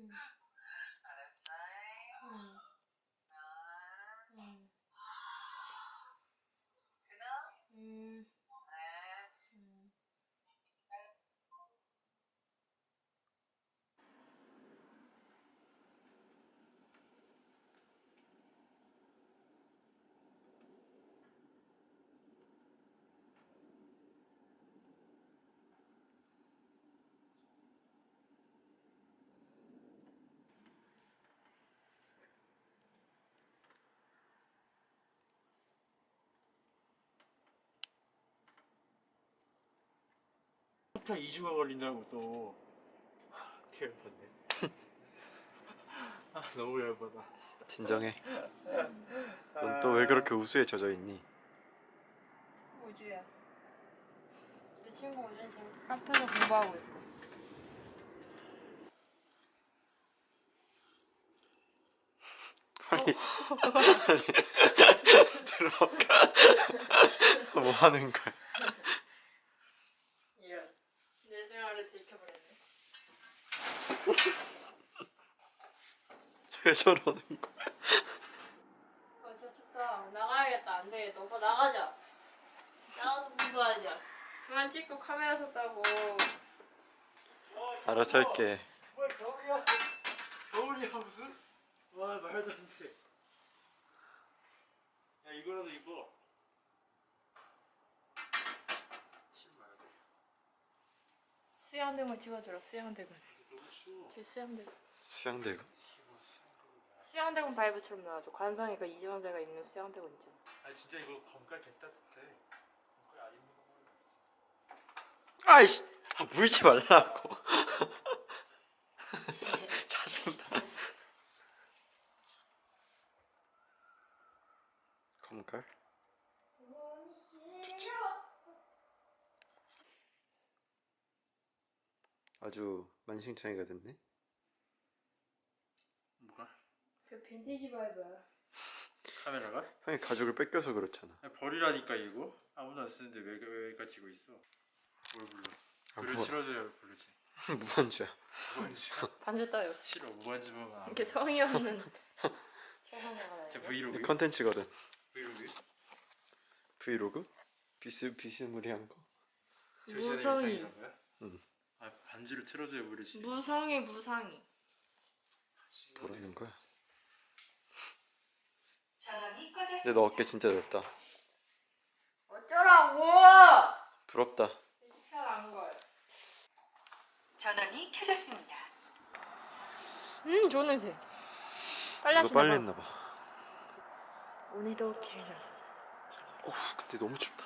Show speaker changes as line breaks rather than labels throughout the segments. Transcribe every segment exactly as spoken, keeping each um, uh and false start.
알았어요. 응. 응. 끊어? 응. 네. 응.
딱 이 주가 걸린다고 또. 되게 열받네. 아, 너무 열받아.
진정해. 넌 또 왜 그렇게 우수에 젖어 있니?
우주야. 내 친구 우주는 지금 카페에서 공부하고 있고.
빨리 빨리 들어가. 뭐 하는 거야?
이런. 내 생활을 들켜버렸네.
왜 저러는 거야?
아 진짜 춥다. 나가야겠다. 안 되겠다. 오빠 나가자. 나가서 공부하자. 그만 찍고 카메라 샀다고.
알아서 할게.
뭘 겨울이야? 겨울이야 무슨? 와 말도 안 돼. 야 이거라도 입어. 신발.
수영대군 찍어주라. 수영대군.
너무 추워.
제 수영대군.
수양대가?
수영대군 바이브처럼 나와줘. 관상이가 이정재가 입는 수영대군 있잖아.
아 진짜 이거 검깔 개따뜻해. 검깔 안 입는 거
아이씨! 아, 물지 말라고. 짜증나. 검깔? 좋지. 아주 만신창이가 됐네.
뭐가?
그 빈티지 바이브야.
카메라가?
형이 가죽을 뺏겨서 그렇잖아.
야, 버리라니까 이거. 아무도 안 쓰는데 왜, 왜 가지고 있어? 뭘 불러?
아,
노래
뭐.
틀어줘야 부르지.
무한주야.
무반주.
반주 따위 없어.
싫어 무반주 보면 안
이렇게
돼.
성의 없는 최선을
제
다해.
브이로그?
컨텐츠거든.
브이로그?
브이로그? 비스 비스무리한 거.
조시아의
무성의.
일상이란 거야?
응.
아 반주를 틀어줘야 부르지.
무성의 무상이.
뭐라는 거야?
전원이
근데
꺼졌습니다.
너 어깨 진짜 넓다.
어쩌라고!
부럽다.
편한 걸.
전원이 켜졌습니다.
음 좋은 냄새. 빨리
이거
하시나
빨리
봐.
했나 봐.
오늘도 기회나서.
어우, 근데 너무 춥다.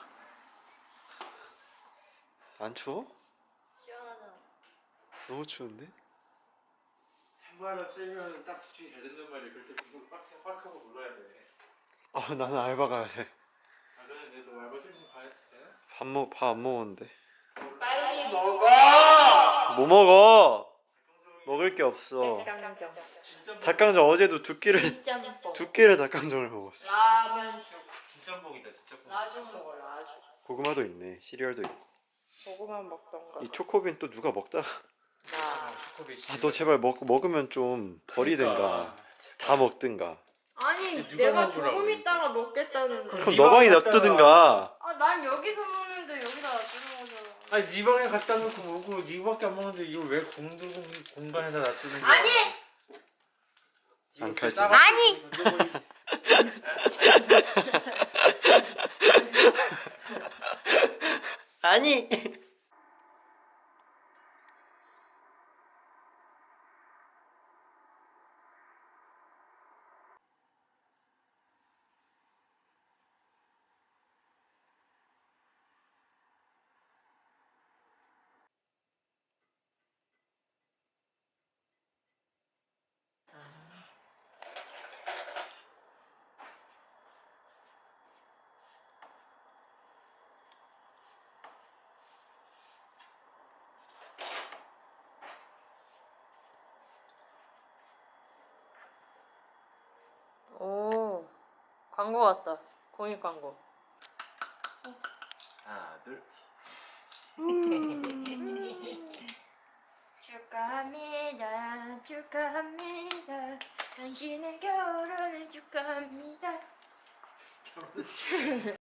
안 추워?
시원하잖아.
너무 추운데?
찬바람 쐬면 딱 집중이 잘 된단 말이야. 그럴 때 그걸 빡, 빡 하고 눌러야 돼.
아, 나는 알바 가야 돼.
아 너는 내도 알바 휴식 가야 돼?
밥 먹, 밥 안 먹었는데.
빨리
먹어!
뭐 먹어? 먹을 게 없어.
닭강정.
진짜
닭강정 어제도 두 끼를
진짬뽕.
두 끼를 닭강정을 먹었어.
라면죽.
진짜 뽕이다 진짜 뽕.
라죽 먹어 라죽.
고구마도 있네. 시리얼도 있고.
고구만 먹던가.
이 초코빈 또 누가 먹다가
나.
초코비치.
아, 너 제발 먹 먹으면 좀 버리든가 다 먹든가.
아니
누가
내가
먹으라고
조금
이거.
있다가 먹겠다는데.
그럼
그럼
네
너 방에
방에
놔두든가.
아 난 여기서 먹는데 여기다 놔두는 거잖아.
아니 네 방에 갖다 놓고 먹고 네밖에 안 먹는데 이걸 왜 공들 공간에다 놔두는 거야?
아니!
이거
안
진짜
가지.
싸가지
아니!
던져버리-
아니.
오 광고 같다. 공익 광고.
하나 둘.
축하합니다. 축하합니다. 당신을 결혼해 줄까 합니다.